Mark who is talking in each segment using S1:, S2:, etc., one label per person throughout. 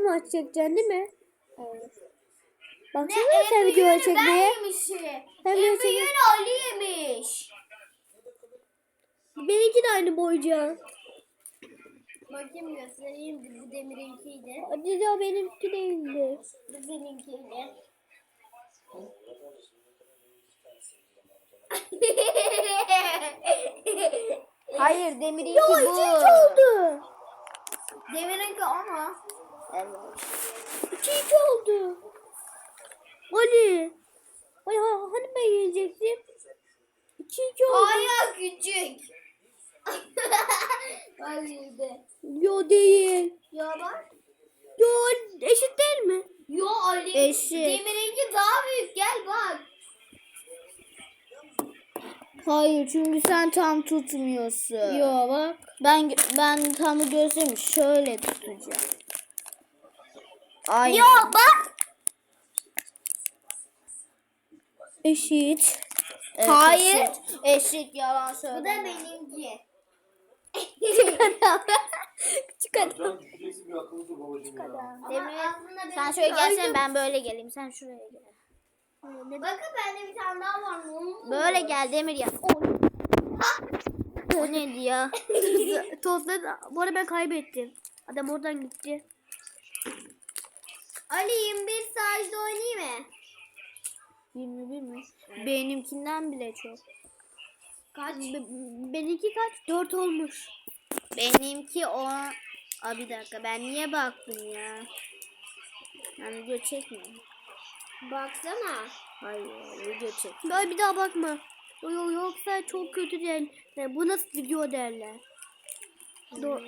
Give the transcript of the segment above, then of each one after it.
S1: maç çekeceksin değil mi?
S2: Evet.
S1: Baksana sen video çekmeye.
S2: En büyüğünü Ali yemiş.
S1: Benimki de aynı boyca.
S2: Bakayım göstereyim. Bu Demir'inkiydi.
S1: Hadi ya benimki değildi.
S2: Bu seninkiydi. Hayır Demir'inki bu.
S1: Ya 2-2 oldu.
S2: Demir'inki ama. Evet.
S1: 2-2 oldu. Ali. Hani ben yenecektim? 2-2 oldu.
S2: Ayağı küçük. Ali'de.
S1: Yo değil.
S2: Ya bak.
S1: Yo eşit değil mi?
S2: Yo Ali.
S1: Eşit.
S2: Demir'inki daha büyük. Gel bak.
S3: Hayır çünkü sen tam tutmuyorsun.
S1: Yo bak.
S3: Ben tam gözümü şöyle tutacağım. Ay.
S2: Yo bak.
S1: Eşit.
S3: Evet,
S2: Hayır.
S3: Eşit yalan
S2: Bu da
S3: söyleme.
S2: benimki.
S1: Küçük adam.
S4: Can düşeceksin bir akıllı dur babacığım ya.
S3: Demir,
S2: aslında
S3: sen
S2: benim-
S3: şöyle gelsene ben böyle geleyim. Sen şuraya gel.
S2: Bakın bende bir tane daha var. Ne oldu?
S3: Böyle gel Demir ya. O neydi ya?
S1: Tozları bu arada ben kaybettim. Adam oradan gitti.
S2: Ali 21 sadece oynayayım mı?
S3: 21 mi? Benimkinden bile çok.
S1: Kaç? Benimki kaç? 4 olmuş.
S3: Benimki o... Aa, bir dakika ben niye baktım ya? Ben video çekmiyorum.
S2: Baksana.
S3: Hayır video çek.
S1: Böyle bir daha bakma. Yoksa çok kötü der. Yani bu nasıl video derler. Doğru.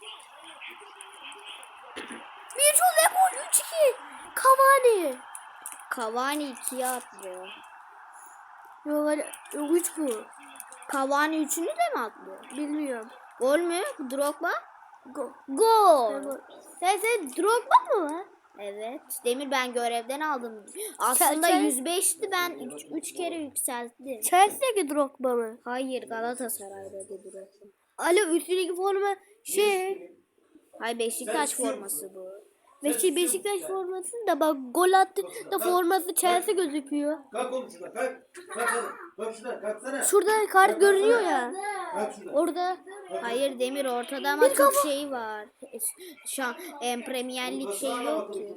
S1: Bir çok gol 3-2. Cavani.
S3: Cavani 2'ye attı.
S1: Yok 3 bu.
S3: Cavani 3'ünü de mi attı?
S1: Bilmiyorum.
S3: Gol mü? Drogba?
S1: Gol. Sen Drogba mı var?
S3: Evet. Demir ben görevden aldım. Aslında
S1: Sen-
S3: 105'ti ben 3 kere yükselttim.
S1: Chelsea'deki Drogba mı?
S3: Hayır Galatasaray'daydı Drogba.
S1: Alo üstündeki forma şey.
S3: Hayır Beşiktaş forması bu.
S1: Beşiktaş forması da bak gol attı da forması Chelsea gözüküyor.
S4: Kalk oğlum şuradan kalk. Kalk oğlum. Kalk şuradan kalksana.
S1: Şurada kart görünüyor ya.
S4: Kalk şuradan.
S1: Orada.
S3: Hayır Demir ortada ama çok şey var. Şu an Premier Lig şey yok ki.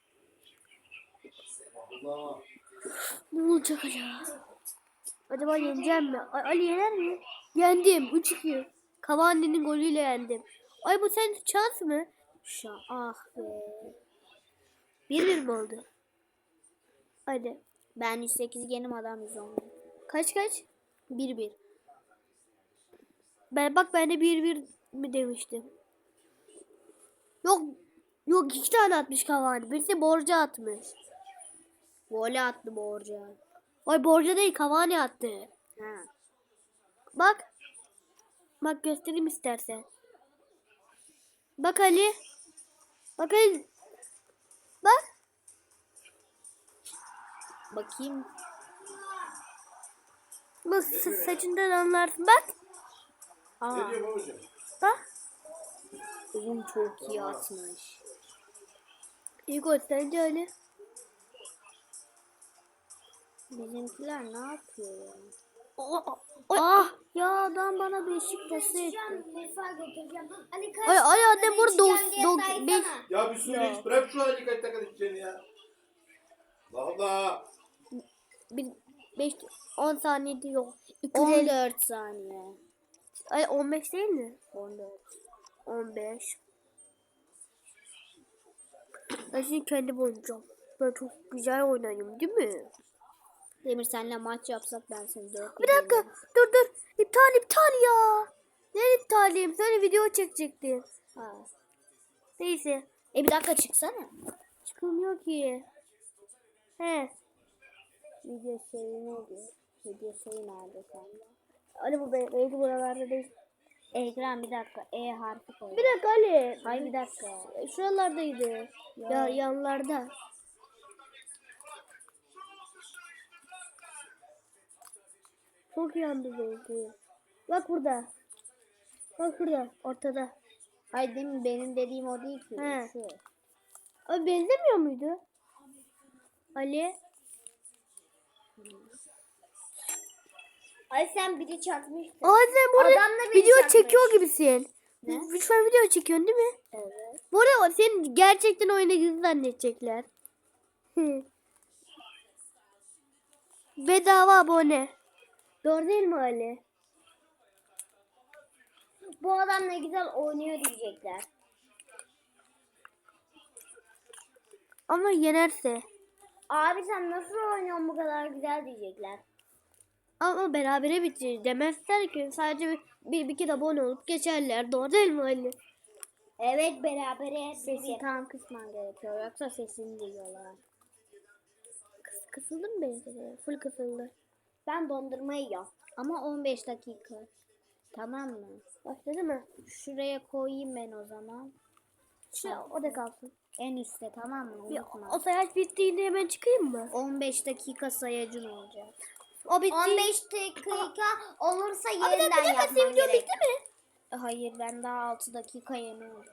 S4: Allah.
S1: Ne olacak acaba? Acaba yeneceğim mi? Ali yener mi? Yendim. 3-2. Cavani'nin golüyle yendim. Ay bu sen şans mı?
S3: Ah be.
S1: 1-1 mi oldu? Hadi.
S3: Ben 108 yenim adam 110.
S1: Kaç?
S3: 1-1.
S1: Ben de 1-1 mi demiştim. Yok 2 tane atmış Cavani. Birisi Borja atmış.
S3: Voley attı Borca.
S1: Ay Borja değil Cavani attı.
S3: Ha.
S1: Bak. Bak göstereyim istersen. Bak Ali. Bak Ali. Bak.
S3: Bakayım.
S1: Bak saçından anlarsın. Bak.
S4: Ne diyor babacığım?
S1: Bak.
S3: Oğlum çok iyi atmış.
S1: İyi gol sence Ali.
S3: Bizimkiler ne yapıyor ya?
S1: Ah. Ya adam bana Beşiktaş'ı etti.
S2: Mutfağa götüreceğim. Ali kaç
S1: Ay
S2: dakikada
S1: annem burada
S2: içeceğim diye
S1: dok
S2: saysana.
S1: 5
S4: Ya bir suyunu iç. Bırak şu halini kaç dakika içeceğini ya. Allah Allah.
S1: 5 10 saniyede yok. 250.
S3: 14 saniye.
S1: Ay 15 değil mi?
S3: 14.
S1: 15. Ben şimdi kendim oynayacağım. Ben çok güzel oynayayım değil mi?
S3: Demir senle maç yapsak ben seni 4
S1: Bir dakika. Dur. İptal ya. Ne iptalim? Sonra video çekecektim.
S3: Ha.
S1: Neyse.
S3: Bir dakika çıksana.
S1: Çıkılmıyor ki. He.
S3: Video şeyi neydi? Video şeyi nerede sende?
S1: Ali bu belki buralarda değil.
S3: Ekran bir dakika. E harfi koy.
S1: Bir dakika Ali.
S3: Hayır bir dakika.
S1: Şuralardaydı. Ya yanlarda. Çok yandı belki. Bak burada. Bak burada. Ortada.
S3: Hayır değil mi? Benim dediğim o değil ki.
S1: He.
S3: Şu.
S1: Abi benzemiyor muydu? Ali.
S2: Ay sen biri çarpmıştın.
S1: Aa sen burada
S2: Adamla biri
S1: video
S2: çarpmış.
S1: çekiyor gibisin.
S3: Ne?
S1: Şu an video çekiyorsun değil mi?
S3: Evet.
S1: Bu arada senin gerçekten oyuna girdiğini zannedecekler. Bedava abone. Doğru değil mi Ali?
S2: Bu adam ne güzel oynuyor diyecekler.
S1: Ama yenerse.
S2: Abi sen nasıl oynuyorsun bu kadar güzel diyecekler.
S1: Ama berabere bitir demezler ki. Sadece bir kere abone olup geçerler. Doğru değil mi Ali?
S2: Evet berabere.
S3: Sesi tam kısman gerekiyor. Yoksa sesini duyuyorlar.
S1: Kısıldı mı benim? Full kısıldı.
S2: Ben dondurma yiyorum.
S3: Ama 15 dakika. Tamam mı?
S1: Başladı mı?
S3: Şuraya koyayım ben o zaman.
S1: O da kalsın.
S3: En üstte, tamam mı? Unutma.
S1: O sayaç bittiğinde hemen çıkayım mı?
S3: 15 dakika sayacın olacak.
S1: O bitti.
S2: 15 dakika olursa
S1: Abi
S2: yeniden yapmam
S1: video
S2: gerek.
S1: bitti mi?
S3: Hayır, ben daha 6 dakika yeni oldum.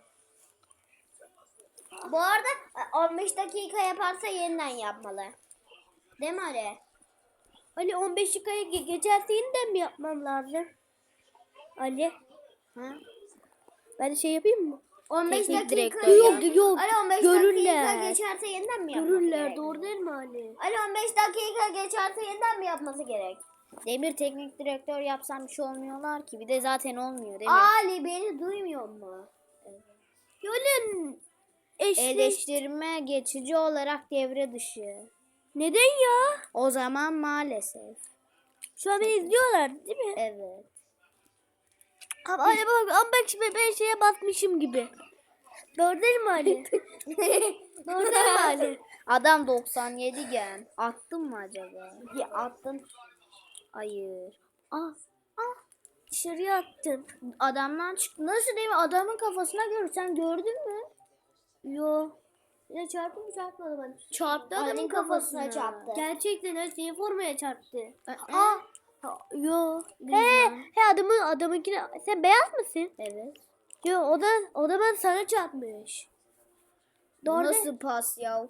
S2: Bu arada 15 dakika yaparsa yeniden yapmalı. Değil mi Ali?
S1: Ali 15 dakikaya geçerse yeniden mi yapmam lazım? Ali.
S3: Ha?
S1: Ben de şey yapayım mı?
S2: 15
S3: Teknik
S2: dakika.
S3: direktör
S1: Yok yok.
S2: Ali 15
S1: Görürler.
S2: dakika geçerse yeniden mi yapması
S1: Görürler.
S2: gerek?
S1: Doğru değil mi Ali?
S2: Ali 15 dakika geçerse yeniden mi yapması gerek?
S3: Demir teknik direktör yapsam bir şey olmuyorlar ki. Bir de zaten olmuyor değil mi?
S2: Ali beni duymuyor mu?
S1: Yolun eşleş.
S3: Eleştirme geçici olarak devre dışı.
S1: Neden ya?
S3: O zaman maalesef.
S1: Şu an beni izliyorlar değil mi?
S3: Evet.
S1: Ama Ali ama bak şimdi ben şeye basmışım gibi. Doğru değil mi Ali? Doğru değil mi Ali?
S3: Adam 97 gen. Attın mı acaba?
S2: Ya attın.
S3: Hayır.
S1: Dışarıya attım.
S3: Adamdan çıktı. Nasıl değil mi? Adamın kafasına göre sen gördün mü?
S1: Yo. Ya çarptı mı çarpmadı bana?
S3: Çarptı
S2: Ali'nin
S3: adamın
S2: kafasına
S3: kafasına.
S2: çarptı.
S1: Gerçekten her şeyi formaya çarptı.
S3: Aa.
S1: Yo.
S3: Bilmem.
S1: He adamınkine sen beyaz mısın?
S3: Evet.
S1: Yo o da ben sana çarpmış. Doğru.
S3: Nasıl pas ya?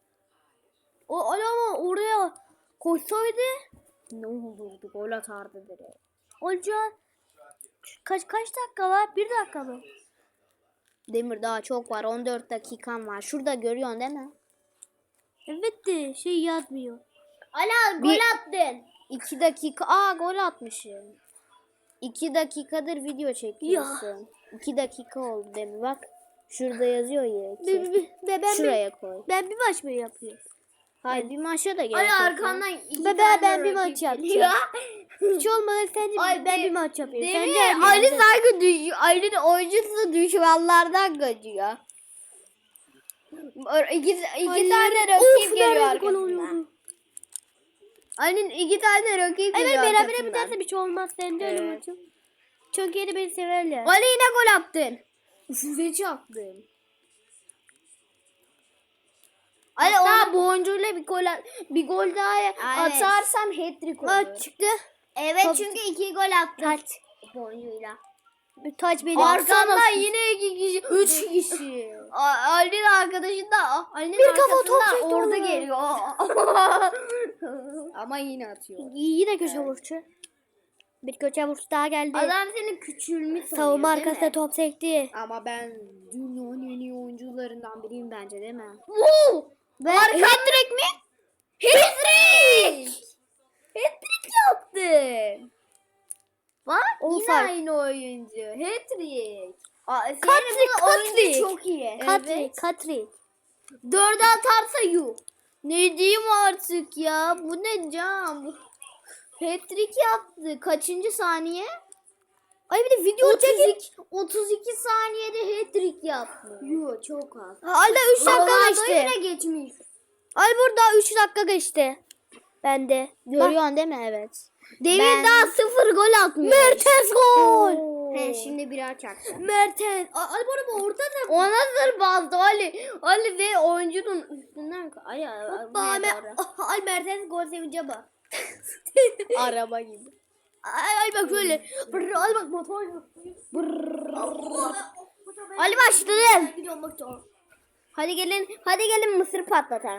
S1: O ama oraya koşsaydı
S3: Ne olurdu? Gol atardı direkt.
S1: olacağı kaç dakika var? 1 dakika mı?
S3: Demir daha çok var. 14 dakikan var. Şurada görüyorsun değil mi?
S1: Evet de şey yazmıyor.
S2: Ali gol attın.
S3: 2 dakika. Aa, gol atmışım. 2 dakikadır video çekiyorsun. 2 dakika oldu Demir. Bak. Şurada yazıyor ya. 2. Şuraya koy.
S1: Ben bir maç mı yapıyorum?
S3: Hayır, bir maça da gerek
S2: Ali
S3: yok.
S2: arkandan iki
S1: Ben
S2: tane
S1: bir
S2: rakip
S1: maç yapacağım.
S2: geliyor.
S1: Hiç olmadı sen
S2: Ay,
S1: ben bir maç yapıyorum. Sen
S2: Değil
S1: de
S2: mi? Ali sanki düşüyor. Ali'nin oyuncusu düşmanlardan kaçıyor. İki tane rakip geliyor arkasından. Ali'nin 2 tane rakip geliyor
S1: Evet berabere
S2: arkasından.
S1: biterse bir şey olmaz. Sen de öyle
S3: Evet.
S1: maçım. Çünkü yine beni severler.
S2: Ali yine gol attın.
S3: Size çarptım.
S2: Ali
S3: Hatta bu oyuncuyla bir gol daha
S2: Aynen.
S3: atarsam hat-trick olur.
S1: Maç çıktı.
S2: Evet
S1: Top-
S2: çünkü 2 gol attın.
S1: Taç.
S2: Bu oyuncuyla.
S1: Bir taç benim.
S2: Arkamdan yine 2 kişi.
S3: 3 kişi.
S2: Ali'nin arkadaşında Ali'nin
S1: Bir kafa top
S2: arkasından
S1: çekti
S2: orada
S1: ona.
S2: geliyor.
S3: Ama yine atıyor.
S1: Yine köşe vuruşu. Bir köşe vuruşu daha geldi.
S2: Adam senin küçülmüş sanıyor
S1: Savunma
S2: değil mi?
S1: arkasına top sekti.
S3: Ama ben dünyanın en iyi oyuncularından biriyim bence değil mi?
S2: Wow!
S1: Ve
S2: Hat-trick mi? Hat-trick! Hat-trick yaptın. Bak yine
S1: Offside.
S2: aynı oyuncu. Hat-trick.
S1: Hat-trick,
S2: oyuncu
S1: hat-trick.
S2: çok iyi.
S1: Katri.
S2: 4'e atarsa yuh. Ne diyeyim artık ya? Bu ne cam? Hat-trick yaptı. Kaçıncı saniye?
S1: Ay bir de video çekin.
S2: 32 saniyede hat-trick yaptı. Yuh çok az.
S1: Hala 3 dakika
S2: Ronaldo
S1: geçti.
S2: yine geçmiş.
S1: Ay burada 3 dakika geçti. Bende.
S3: Görüyorsun değil mi? Evet.
S2: Demir daha 0 gol atmış.
S1: Mertens gol.
S3: He, şimdi birer çaktı.
S1: Mertens. Ay bu arada orada da.
S2: O nasıl bastı Ali? Ali ve oyuncunun üstünden ay
S1: Ay Mertens gol sevince bak.
S3: Araba gibi.
S1: Ay bak şöyle. Ay bak motor.
S2: Ali başladı.
S1: Gidiyorum bak.
S2: Hadi gelin mısır patlatalım.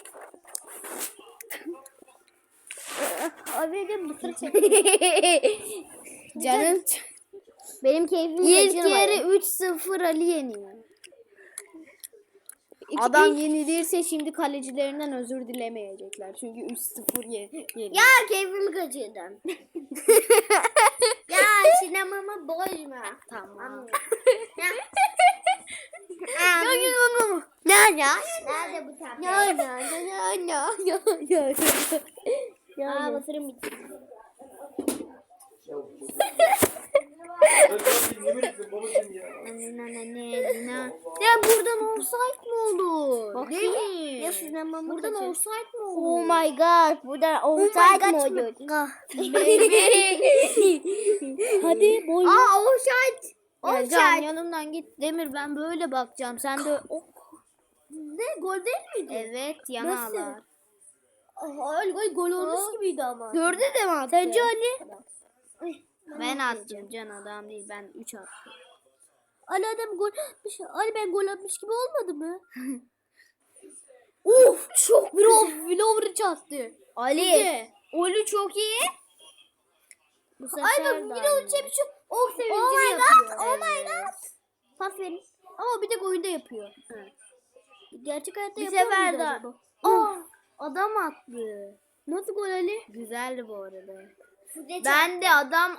S1: Abi de mısır
S3: Canım.
S2: Benim keyfimi
S3: İlk
S2: kaçırmayın.
S3: yarı 3-0 Ali yeniyor. Adam yenilirse şimdi kalecilerinden özür dilemeyecekler. Çünkü 3-0 yeniyor.
S2: Ya keyfimi kaçırdım. Ya sinemamı bozma.
S3: Tamam.
S2: Nerede bu tatlı? Aa mısırım bitti.
S4: Ben sana yemin ettim babacığım ya.
S2: Ya buradan offside mi olur?
S3: Bakayım.
S2: Değil mi?
S1: Ya sinemamı
S2: Buradan
S1: kaçır.
S2: offside mi
S3: Oh
S2: olur?
S3: my god. Buradan offside mi oluyor?
S1: Hadi boy.
S2: Aa offside.
S3: Ya Can
S2: Offside.
S3: yanımdan git. Demir ben böyle bakacağım. Sen de
S2: Ne gol değil miydi?
S3: evet
S2: Nasıl?
S3: yanalar.
S1: Ay gol olmuş gibiydi ama.
S2: Dörde de mi attı?
S1: Sence Ali?
S3: Ben attım Can adam değil. Ben 3 attım.
S1: Ali adam gol atmış. Ali ben gol atmış gibi olmadı mı?
S2: Çok
S1: Vlover çarptı.
S2: Ali. Oli çok iyi.
S3: Bu sefer
S1: Ay bak
S3: de
S1: Vlover
S3: aynı.
S1: çarpmış. Ok sevincini
S2: Oh my
S1: yapıyor.
S2: god. Oh my god.
S1: Pas verin. Ama bir tek oyunda yapıyor. Gerçek hayatta
S2: Bir
S1: yapıyor
S2: sefer
S1: muydu
S2: daha.
S1: acaba?
S2: Aa, adam attı.
S1: Nasıl gol Ali?
S3: Güzeldi bu arada.
S2: Ben
S3: Ben de adam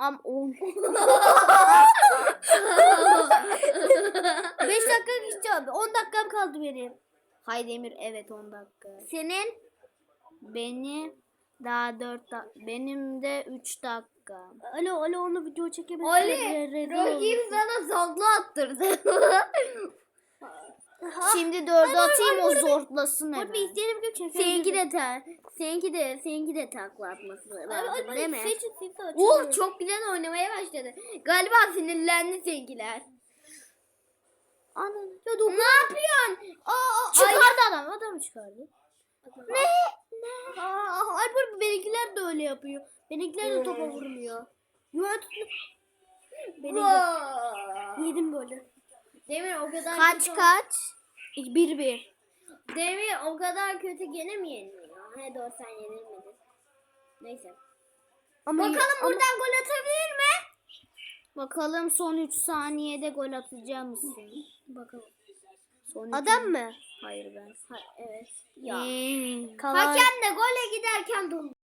S1: 5 dakika geçti abi. 10 dakikam kaldı benim.
S3: Hay Demir evet 10 dakika.
S2: senin
S3: Beni daha 4 dakika. Benim de 3 dakika.
S1: Ali onu video çekemedim.
S2: Ali rakip sana saklı attırdı.
S3: Şimdi 4'ü atayım o zortlasın
S1: Dur
S3: hemen.
S1: bir izleyelim ki çekelim.
S2: Seninki de takla atması lazım değil mi?
S1: Seçin.
S2: Oh çok güzel oynamaya başladı. Galiba sinirlendi seninkiler.
S1: Anam. Ya
S2: Ne yapıyorsun?
S1: çıkardı adam. Adamı çıkardı. Ne? Alper benimkiler de öyle yapıyor. Benimkiler de topa vurmuyor. Juventus yedim böyle.
S2: Demir o kadar
S3: Kaç?
S1: 1-1.
S2: Demir o kadar kötü gene mi yeniliyor? He doğru sen yenilmedin. Neyse.
S1: Ama
S2: Bakalım buradan gol atabilir mi?
S3: Bakalım son 3 saniyede gol atacak mısın?
S2: Bakalım.
S3: Son üç-
S1: adam mı?
S3: Hayır ben.
S2: Evet.
S3: Ya.
S2: Hakem de gole giderken dondu.